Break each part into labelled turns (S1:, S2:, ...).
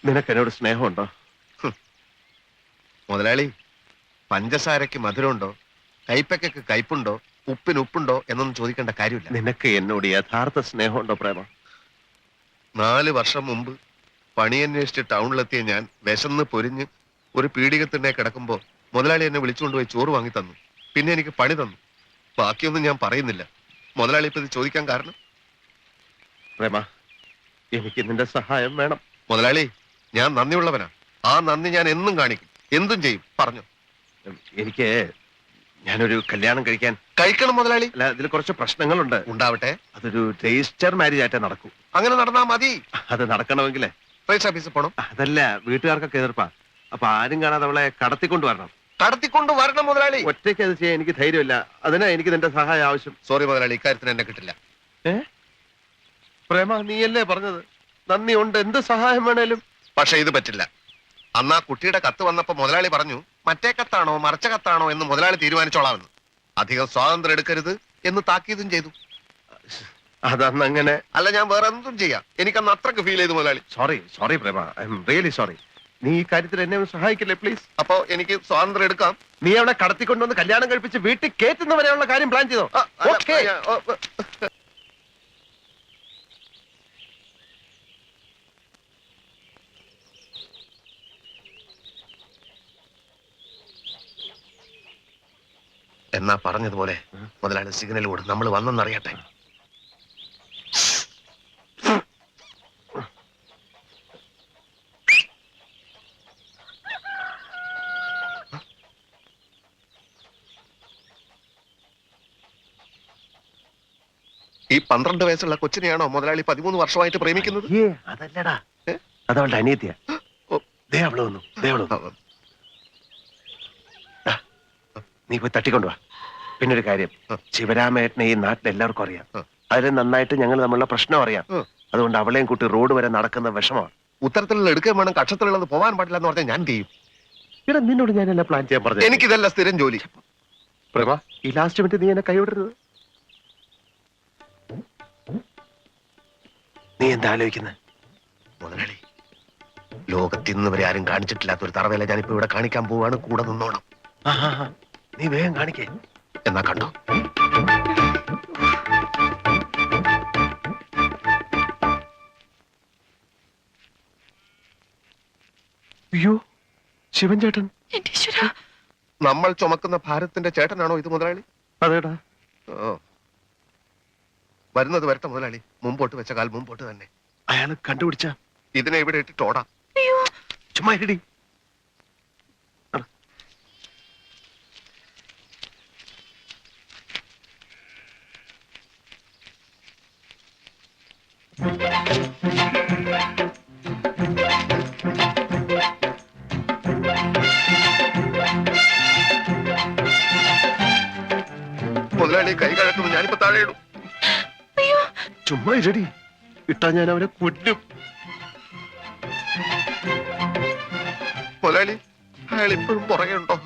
S1: നിനക്ക് എന്നോട് സ്നേഹമുണ്ടോ?
S2: മുതലാളി, പഞ്ചസാരക്ക് മധുരമുണ്ടോ, കൈപ്പയ്ക്ക് കയ്പുണ്ടോ, ഉപ്പിന് ഉപ്പുണ്ടോ എന്നൊന്നും ചോദിക്കേണ്ട കാര്യമില്ല.
S1: നിനക്ക് എന്നോട് യഥാർത്ഥ സ്നേഹമുണ്ടോ പ്രേമ?
S2: 4 വർഷം മുമ്പ് പണിയന്വേഷിച്ച് ടൗണിലെത്തിയ ഞാൻ വിശന്ന് പൊരിഞ്ഞ് ഒരു പീഡികത്തിനെ കിടക്കുമ്പോ മുതലാളി എന്നെ വിളിച്ചുകൊണ്ടുപോയി ചോറ് വാങ്ങി തന്നു. പിന്നെ എനിക്ക് പണി തന്നു. ബാക്കിയൊന്നും ഞാൻ പറയുന്നില്ല. മുതലാളി ഇപ്പൊ ഇത് ചോദിക്കാൻ കാരണം?
S1: പ്രേമ, എനിക്ക് നിന്റെ സഹായം വേണം.
S2: മുതലാളി, ഞാൻ നന്ദിയുള്ളവനാ. ആ നന്ദി ഞാൻ എന്നും കാണിക്കും, എന്തും ചെയ്യും. പറഞ്ഞു.
S1: എനിക്ക് ഞാനൊരു കല്യാണം
S2: കഴിക്കണം മുതലാളി.
S1: അല്ല, ഇതിൽ കുറച്ച് പ്രശ്നങ്ങളുണ്ട്.
S2: ഉണ്ടാവട്ടെ.
S1: അതൊരു രജിസ്റ്റർ മാരേജ് ആയിട്ടേ നടക്കൂ.
S2: അങ്ങനെ നടന്നാ മതി.
S1: അത് നടക്കണമെങ്കിലേ
S2: രജിസ്റ്റർ ഓഫീസിൽ പോണം.
S1: അതല്ല, വീട്ടുകാർക്കൊക്കെ എതിർപ്പാ. അപ്പൊ ആരും കാണാതെ അവളെ കടത്തിക്കൊണ്ട് വരണം.
S2: കടത്തിക്കൊണ്ട് വരണം മുതലാളി.
S1: ഒറ്റയ്ക്ക് അത് ചെയ്യാൻ എനിക്ക് ധൈര്യമില്ല. അതിനാ എനിക്ക് നിന്റെ സഹായം ആവശ്യം.
S2: സോറി മുതലാളി, ഇക്കാര്യത്തിന് എന്നെ കിട്ടില്ല.
S1: പ്രേമ, നീയല്ലേ പറഞ്ഞത് നന്ദി ഉണ്ട്, എന്ത് സഹായം വേണേലും.
S2: പക്ഷെ ഇത് പറ്റില്ല. അന്ന് ആ കുട്ടിയുടെ കത്ത് വന്നപ്പോ മുതലാളി പറഞ്ഞു, മറ്റേ കത്താണോ മറച്ച കത്താണോ എന്ന് മുതലാളി തീരുമാനിച്ചോളാമെന്ന്. അധികം സ്വാതന്ത്ര്യം എടുക്കരുത് എന്ന് താക്കീതും ചെയ്തു.
S1: അതന്ന് അങ്ങനെ.
S2: അല്ല, ഞാൻ വേറെ എന്തും ചെയ്യാം. എനിക്കന്ന് അത്രക്ക് ഫീൽ ചെയ്തു മുതലാളി.
S1: Sorry Prema, I'm really sorry. നീ ഈ കാര്യത്തിൽ എന്നെ ഒന്ന് സഹായിക്കില്ലേ പ്ലീസ്?
S2: അപ്പോ എനിക്ക് സ്വാതന്ത്ര്യം എടുക്കാം.
S1: നീ അവളെ കടത്തിക്കൊണ്ടുവന്ന് കല്യാണം കഴിപ്പിച്ച് വീട്ടിൽ കേറ്റുന്നവരെയുള്ള കാര്യം പ്ലാൻ ചെയ്തോ?
S2: എന്നാ പറഞ്ഞതുപോലെ മുതലാളി സിഗ്നൽ കൊടു, നമ്മൾ വന്നെന്നറിയട്ടെ. ഈ 12 വയസ്സുള്ള കൊച്ചിനെയാണോ മുതലാളി 13 വർഷമായിട്ട് പ്രേമിക്കുന്നത്?
S1: അതല്ലടാ, അതവളുടെ അനിയത്തിയാ. അവള് വന്നു. നീ പോയി തട്ടിക്കൊണ്ടുവാ. പിന്നൊരു കാര്യം, ശിവരാമേട്ടനെ ഈ നാട്ടിൽ എല്ലാവർക്കും അറിയാം. അതിന് നന്നായിട്ട് ഞങ്ങൾ തമ്മിലുള്ള പ്രശ്നം അറിയാം. അതുകൊണ്ട് അവളെയും കൂട്ടി റോഡ് വരെ നടക്കുന്ന വിഷമമാണ്.
S2: ഉത്തരത്തിലുള്ള എടുക്കാൻ വേണം, കക്ഷത്തിലുള്ളത് പോകാൻ പാടില്ല എന്ന് പറഞ്ഞാൽ ഞാൻ ചെയ്യും.
S1: ഇവിടെ നിന്നോട് ഞാനെല്ലാം പ്ലാൻ ചെയ്യാൻ പറഞ്ഞു.
S2: എനിക്കിതല്ല സ്ഥിരം ജോലി.
S1: പ്രഭ, ഈ ലാസ്റ്റ് മിനിറ്റ് നീ എന്നെ കൈവിടരുത്. നീ എന്താ ആലോചിക്കുന്നത്?
S2: മുതലാളി, ലോകത്തിന്ന് വരെ ആരും കാണിച്ചിട്ടില്ലാത്ത ഒരു തറവേല ഞാനിപ്പോ ഇവിടെ കാണിക്കാൻ പോവാണ്. കൂടെ നിന്നോണം.
S1: നീ വേഗം കാണിക്കേ.
S2: എന്നാ കണ്ടോ.
S1: അയ്യോ, ശിവൻ ചേട്ടൻ.
S2: നമ്മൾ ചുമക്കുന്ന ഭാരത്തിന്റെ ചേട്ടനാണോ ഇത് മുതലാളി?
S1: അതേടാ.
S2: വരുന്നത് വരട്ടെ മുതലാളി. മുമ്പോട്ട് വെച്ച കാൽ മുമ്പോട്ട് തന്നെ.
S1: അയാള് കണ്ടുപിടിച്ച
S2: ഇതിനെ ഇവിടെ ഇട്ടിട്ടോടാ.
S1: ചുമ്മാ ഇരടി.
S2: മുതലാളി കൈ കഴക്കുന്നു. ഞാനിപ്പോ താഴെ ഇടും.
S1: ചുമ്മാ ഇരടി. ഇട്ടാ ഞാൻ അവനെ കൊല്ലും.
S2: മുതലാളി, അയാൾ ഇപ്പോഴും പുറകെ ഉണ്ടോ?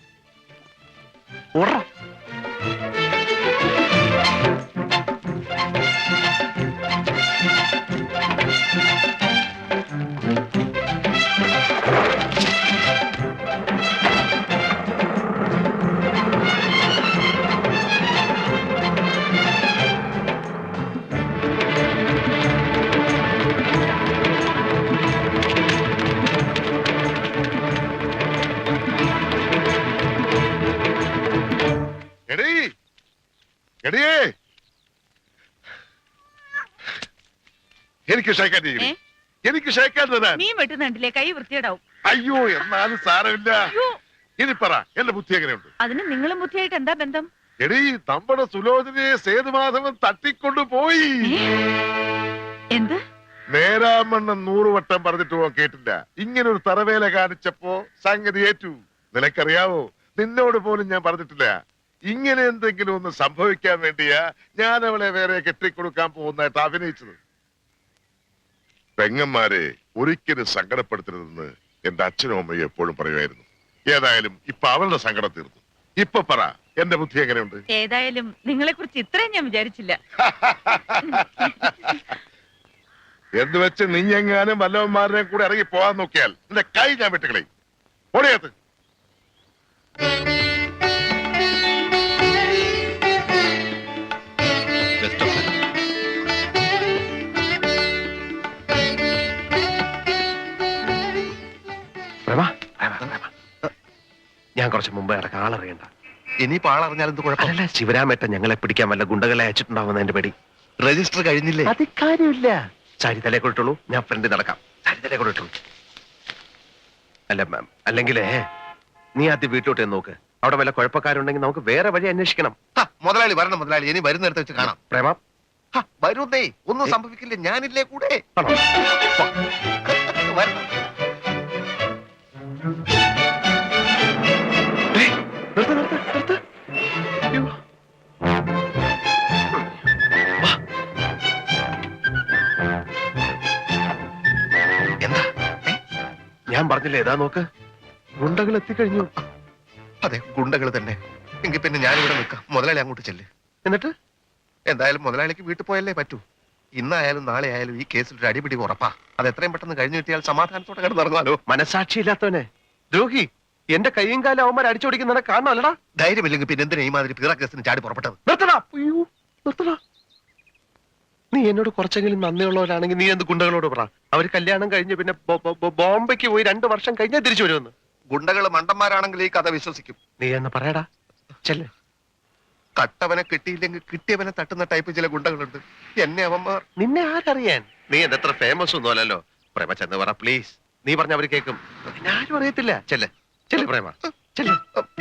S2: എനിക്ക് ഷേക്കാൻ തരാൻ.
S3: നീ വെട്ടുന്നുണ്ടില്ലേ, കൈ വൃത്തിയിടാവും.
S2: അയ്യോ, എന്നാലും സാരമില്ല. ഇനി പറ, എന്റെ ബുദ്ധി എങ്ങനെയുണ്ട്?
S3: അതിന് നിങ്ങളും ബുദ്ധിയായിട്ട് എന്താ ബന്ധം?
S2: എടീ, നമ്മുടെ സുലോചനയെ സേതുമാധവൻ തട്ടിക്കൊണ്ടുപോയി.
S3: എന്ത്?
S2: നേരാമണ്ണം 100 വട്ടം പറഞ്ഞിട്ട് പോ കേട്ടില്ല. ഇങ്ങനെ ഒരു തറവേല കാണിച്ചപ്പോ സംഗതി ഏറ്റു. നിനക്കറിയാവോ, നിന്നോട് പോലും ഞാൻ പറഞ്ഞിട്ടില്ല. ഇങ്ങനെ എന്തെങ്കിലും ഒന്ന് സംഭവിക്കാൻ വേണ്ടിയാ ഞാൻ അവളെ വേറെ കെട്ടിക്കൊടുക്കാൻ പോകുന്നതായിട്ട് അഭിനയിച്ചത്. പെങ്ങന്മാരെ ഒരിക്കലും സങ്കടപ്പെടുത്തരുതെന്ന് എന്റെ അച്ഛനും അമ്മയും എപ്പോഴും പറയുമായിരുന്നു. ഏതായാലും ഇപ്പൊ അവളുടെ സങ്കടം തീർന്നു. ഇപ്പൊ പറ, എന്റെ ബുദ്ധി എങ്ങനെയുണ്ട്?
S3: ഏതായാലും നിങ്ങളെ കുറിച്ച് ഇത്രയും ഞാൻ വിചാരിച്ചില്ല.
S2: എന്ന് വെച്ച് നീ എങ്ങാനും വല്ലവന്മാരെ കൂടെ ഇറങ്ങി പോകാൻ നോക്കിയാൽ നിന്റെ കൈ ഞാൻ വെട്ടുകളയും. ഓടിയകത്ത്.
S1: പ്രേമ, പ്രേമ, പ്രേമ. ഞാൻ കുറച്ച് മുമ്പ് ഇടക്ക് ആളറിയണ്ട.
S4: ഇനിയിപ്പോ ആളറിഞ്ഞാൽ എന്ത് കുഴപ്പം?
S1: അതല്ല, ശിവരാമേട്ടൻ ഞങ്ങളെ പിടിക്കാൻ വല്ല ഗുണ്ടകളെ അയച്ചിട്ടുണ്ടാവുന്ന എന്റെ പേടി.
S4: രജിസ്റ്റർ കഴിഞ്ഞില്ലേ?
S1: അത് കാര്യമില്ല. സാരി തലേ കൊടുത്തുള്ളൂ, ഞാൻ ഫ്രണ്ട് നടക്കാം. സാരി തലേ കൊടുത്തുള്ളൂ. അല്ല മാം, അല്ലെങ്കിലേ നീ ആദ്യം വീട്ടിലോട്ട് ചെന്ന് നോക്ക്. അവിടെ വല്ല കുഴപ്പക്കാരുണ്ടെങ്കിൽ നമുക്ക് വേറെ വഴി അന്വേഷിക്കണം.
S4: മുതലാളി വരണം മുതലാളി, ഇനി വരുന്നിടത്ത് വെച്ച് കാണാം.
S1: പ്രേമ,
S4: വരുന്നേ, ഒന്നും സംഭവിക്കില്ല, ഞാനില്ലേ കൂടെ.
S1: ആണോ?
S4: വരണം.
S1: ഏയ്, നിർത്ത്, നിർത്ത്, നിർത്ത്. അയ്യോ. വാ.
S4: എന്താ?
S1: ഞാൻ പറഞ്ഞില്ലേ, ഏതാ നോക്ക്, ഗുണ്ടകൾ എത്തിക്കഴിഞ്ഞു.
S4: അതെ, ഗുണ്ടകൾ തന്നെ. എങ്കിൽ പിന്നെ ഞാനിവിടെ നിൽക്കാം, മുതലാളി അങ്ങോട്ട് ചെല്ല്.
S1: എന്നിട്ട്
S4: എന്തായാലും മുതലാളിക്ക് വീട്ടിൽ പോയല്ലേ പറ്റൂ. ഇന്നായാലും നാളെ ആയാലും ഈ കേസിൽ ഒരു അടിപിടി ഉറപ്പാ. അത് എത്രയും പെട്ടെന്ന് കഴിഞ്ഞു കിട്ടിയാൽ സമാധാനത്തോടെ കിടന്നിറങ്ങാലോ.
S1: മനസാക്ഷിയില്ലാത്തവനെ, ദ്രോഹി, എന്റെ കൈയും കാലം അവന്മാർ അടിച്ചോടിക്കുന്നവനെ കാണണമല്ലടാ.
S4: ധൈര്യമില്ലെങ്കിൽ പിന്നെ എന്തിനാ ഈ മാതിരി പീറ കേസിന് ചാടി പുറപ്പെട്ടത്?
S1: നിർത്തടാ. അയ്യോ, നിർത്തടാ. നീ എന്നോട് കുറച്ചെങ്കിലും നന്ദിയുള്ളവരാണെങ്കിൽ നീ എന്ത് ഗുണ്ടകളോട് പറ. അവര് കല്യാണം കഴിഞ്ഞ് പിന്നെ ബോംബെക്ക് പോയി 2 വർഷം കഴിഞ്ഞാൽ തിരിച്ചു വരുമെന്ന്.
S4: ഗുണ്ടകൾ മണ്ടന്മാരാണെങ്കിൽ ഈ കഥ വിശ്വസിക്കും.
S1: നീ എന്ന് പറയടാ. ചെല്ല്.
S4: കട്ടവനെ കിട്ടിയില്ലെങ്കിൽ കിട്ടിയവനെ തട്ടുന്ന ടൈപ്പ് ചില ഗുണ്ടകളുണ്ട്. എന്നെ അവന്മാർ.
S1: നിന്നെ ആരറിയാൻ? നീ എന്റെ അത്ര ഫേമസ് ഒന്നും അല്ലല്ലോ. പ്രേമ ചെന്ന് പറ പ്ലീസ്. നീ പറഞ്ഞ അവര് കേൾക്കും. നിന്നെ ആരും അറിയത്തില്ല. ചെല്ല്, ചെല്ല് പ്രേമ, ചെല്ല്.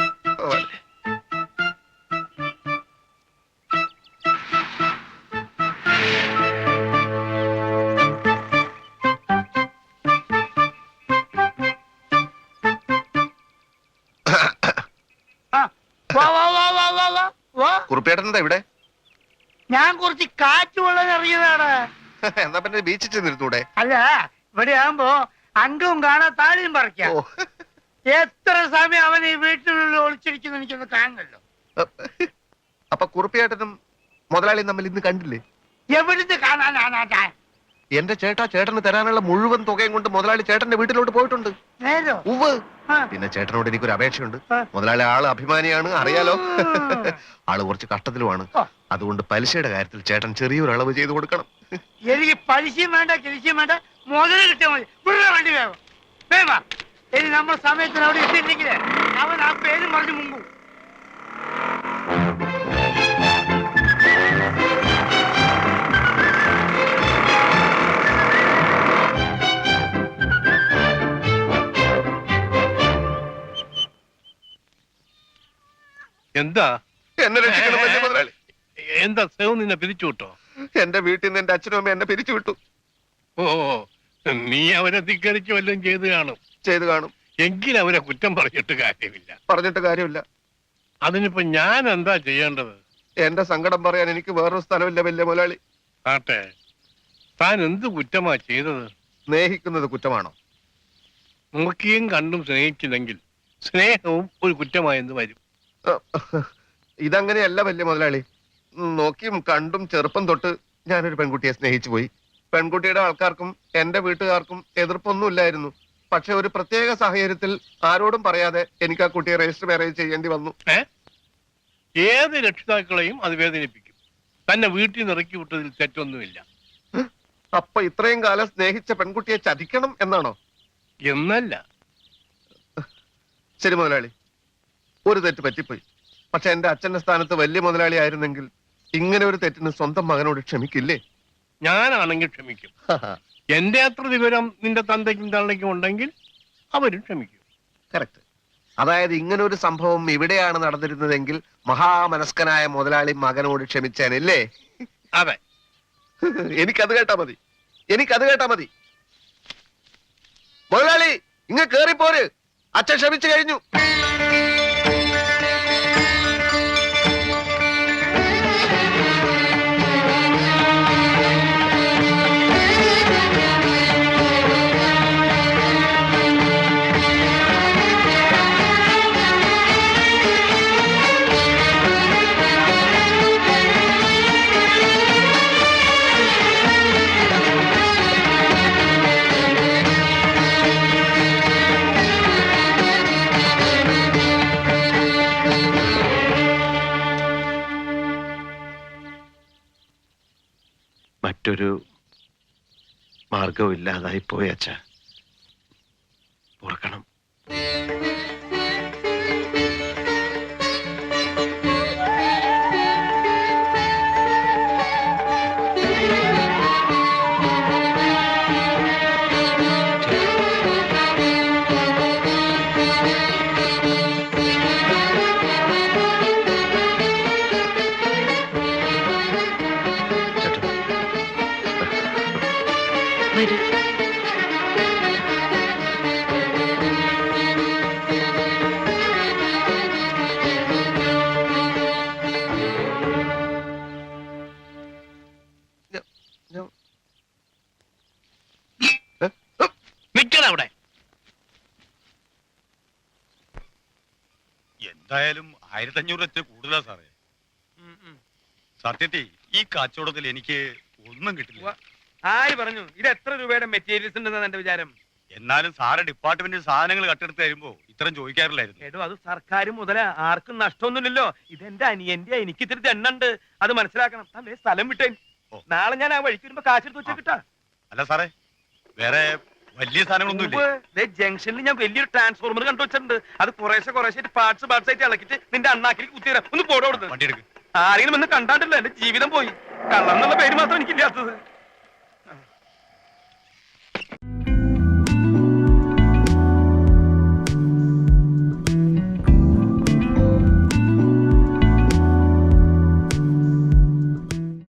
S4: കുറുപ്പേട്ടൻ എന്താ ഇവിടെ?
S5: ഞാൻ കുറച്ച് കാറ്റ് കൊള്ളാൻ ഇറങ്ങിയതാണ്.
S4: എന്നാ പിന്നെ ബീച്ചിൽ ചെന്നിരുന്നൂടെ?
S5: അല്ല, ഇവിടെ ആകുമ്പോ അംഗവും കാണാൻ താഴെയും പറിക്കാം.
S4: ഓ,
S5: എത്ര സമയം അവൻ ഈ വീട്ടിനുള്ളിൽ ഒളിച്ചിരിക്കുന്നു എനിക്കൊന്ന് കാണണല്ലോ.
S4: അപ്പൊ കുറുപ്പിയേട്ടനും മുതലാളിയും തമ്മിൽ ഇന്ന് കണ്ടില്ലേ?
S5: എവിടുന്ന് കാണാനാണ്?
S4: എന്റെ ചേട്ടന് തരാനുള്ള മുഴുവൻ തുകയും കൊണ്ട് മുതലാളി ചേട്ടന്റെ വീട്ടിലോട്ട് പോയിട്ടുണ്ട്.
S5: നേരോ?
S4: ഉവ്വ്.
S5: ആ.
S4: പിന്നെ ചേട്ടനോട് എനിക്കൊരു അപേക്ഷയുണ്ട്.
S5: ആ.
S4: മുതലാളി ആള് അഭിമാനിയാണ്, അറിയാലോ. ആള് കുറച്ച് കഷ്ടത്തിലുമാണ്.
S5: ആ.
S4: അതുകൊണ്ട് പലിശയുടെ കാര്യത്തിൽ ചേട്ടൻ ചെറിയൊരു അളവ് ചെയ്തു കൊടുക്കണം.
S5: എനിക്ക് പലിശയും വേണ്ട, കിരിശയും വേണ്ട, മുതൽ കിട്ടിയാൽ മതി. ഇവിടെ വണ്ടി വേഗം വേവാ. ഇനി നമ്മൾ സമയത്തിന് അവിടെ എത്തിയില്ലെങ്കിൽ അവൻ ആ പേര് മറിഞ്ഞ് മുമ്പ്.
S6: എന്താ
S4: എന്നെ രക്ഷിക്കണം വലിയ മുതലാളി.
S6: എന്താ സേവ് നിന്നെ പിരിച്ചു വിട്ടോ?
S4: എന്റെ വീട്ടിൽ നിന്ന് എന്റെ അച്ഛനും അമ്മ എന്നെ പിരിച്ചു വിട്ടു.
S6: ഓ, നീ അവരെ ധിക്കരിച്ച് വല്ലതും
S4: ചെയ്ത് കാണും.
S6: എങ്കിൽ അവരെ കുറ്റം പറഞ്ഞിട്ട് കാര്യമില്ല.
S4: പറഞ്ഞിട്ട് കാര്യമില്ല.
S6: അതിനിപ്പോ ഞാൻ എന്താ ചെയ്യേണ്ടത്?
S4: എന്റെ സങ്കടം പറയാൻ എനിക്ക് വേറൊരു സ്ഥലമില്ല വലിയ മുതലാളി.
S6: ആട്ടെ, താൻ എന്ത് കുറ്റമാ ചെയ്തത്?
S4: സ്നേഹിക്കുന്നത് കുറ്റമാണോ?
S6: നോക്കിയും കണ്ടും സ്നേഹിച്ചില്ലെങ്കിൽ സ്നേഹവും ഒരു കുറ്റമായെന്ന് വരും.
S4: ഇതങ്ങനെയല്ല വലിയ മുതലാളി. നോക്കിയും കണ്ടും ചെറുപ്പം തൊട്ട് ഞാനൊരു പെൺകുട്ടിയെ സ്നേഹിച്ചു പോയി. പെൺകുട്ടിയുടെ ആൾക്കാർക്കും എന്റെ വീട്ടുകാർക്കും എതിർപ്പൊന്നുമില്ലായിരുന്നു. പക്ഷെ ഒരു പ്രത്യേക സാഹചര്യത്തിൽ ആരോടും പറയാതെ എനിക്ക് ആ കുട്ടിയെ രജിസ്റ്റർ മാരേജ് ചെയ്യേണ്ടി വന്നു.
S6: ഏത് രക്ഷിതാക്കളെയും അത് വേദനിപ്പിക്കും. തന്നെ വീട്ടിൽ നിന്ന് ഇറക്കി വിട്ടതിൽ തെറ്റൊന്നുമില്ല.
S4: അപ്പൊ ഇത്രയും കാലം സ്നേഹിച്ച പെൺകുട്ടിയെ ചതിക്കണം എന്നാണോ?
S6: എന്നല്ല.
S4: ശരി മുതലാളി, ഒരു തെറ്റ് പറ്റിപ്പോയി. പക്ഷെ എന്റെ അച്ഛന്റെ സ്ഥാനത്ത് വലിയ മുതലാളി ആയിരുന്നെങ്കിൽ ഇങ്ങനെ ഒരു തെറ്റിന് സ്വന്തം മകനോട് ക്ഷമിക്കില്ലേ?
S6: ഞാനാണെങ്കിൽ ക്ഷമിക്കും. എന്റെ അത്ര വിവരം നിന്റെ തന്തയ്ക്കും തള്ളയ്ക്കും ഉണ്ടെങ്കിൽ അവരും ക്ഷമിക്കും.
S4: കറക്റ്റ്. അതായത് ഇങ്ങനെ ഒരു സംഭവം ഇവിടെയാണ് നടന്നിരുന്നതെങ്കിൽ മഹാമനസ്കനായ മുതലാളി മകനോട് ക്ഷമിച്ചേനല്ലേ?
S6: അതെ.
S4: എനിക്കത് കേട്ടാ മതി. മുതലാളി ഇങ്ങ് കേറിപ്പോര്. അച്ഛൻ ക്ഷമിച്ചു കഴിഞ്ഞു.
S1: മറ്റൊരു മാർഗവും ഇല്ലാതായി പോയി അച്ഛ. ഓർക്കണം.
S3: വരൂ.
S6: നിക്കണം അവിടെ.
S7: എന്തായാലും 1500 കൂടുതലാ സാറേ. സത്യത്തിൽ ഈ കച്ചവടത്തിൽ എനിക്ക് ഒന്നും കിട്ടില്ല.
S8: ആര് പറഞ്ഞു ഇത് എത്ര രൂപയുടെ മെറ്റീരിയൽസ് ഉണ്ടെന്നാണ് എന്റെ വിചാരം?
S7: എന്നാലും സാറ് ഡിപ്പാർട്ട്മെന്റിൽ സാധനങ്ങൾ കട്ടെടുത്ത് തരുമ്പോ ഇത്രയും ചോദിക്കാറില്ലായിരുന്നു.
S8: എടോ അത് സർക്കാർ മുതല, ആർക്കും നഷ്ടമൊന്നുമില്ലല്ലോ. ഇതെന്റെ അനിയന്റെ, എനിക്ക് ഇത്തിരി തെണ്ണുണ്ട്, അത് മനസ്സിലാക്കണം. അതേ സ്ഥലം വിട്ടേ.
S7: ഓ.
S8: നാളെ ഞാൻ ആ വഴിക്ക് വരുമ്പോ കാശെടുത്ത് വെച്ചാ കിട്ടാ.
S7: അല്ല സാറേ, വേറെ വലിയ സാധനങ്ങളൊന്നും ഇല്ലേ?
S8: ജംഗ്ഷനിൽ ഞാൻ വലിയൊരു ട്രാൻസ്ഫോർമർ കണ്ടു വെച്ചിട്ടുണ്ട്. അത് കുറേശ്ശെ പാർട്സ് ആയിട്ട് ഇളക്കിട്ട് നിന്റെ അണ്ണാക്കിലേക്ക് കുത്തിത്തരാം. ഒന്ന് പോടോ കൊടുത്ത്.
S7: വണ്ടി എടുക്ക്.
S8: ആരെങ്കിലും ഒന്ന് കണ്ടാണ്ടല്ലോ എന്റെ ജീവിതം പോയി. കള്ളന്നുള്ള പേര് മാത്രം എനിക്കില്ലാത്തത്.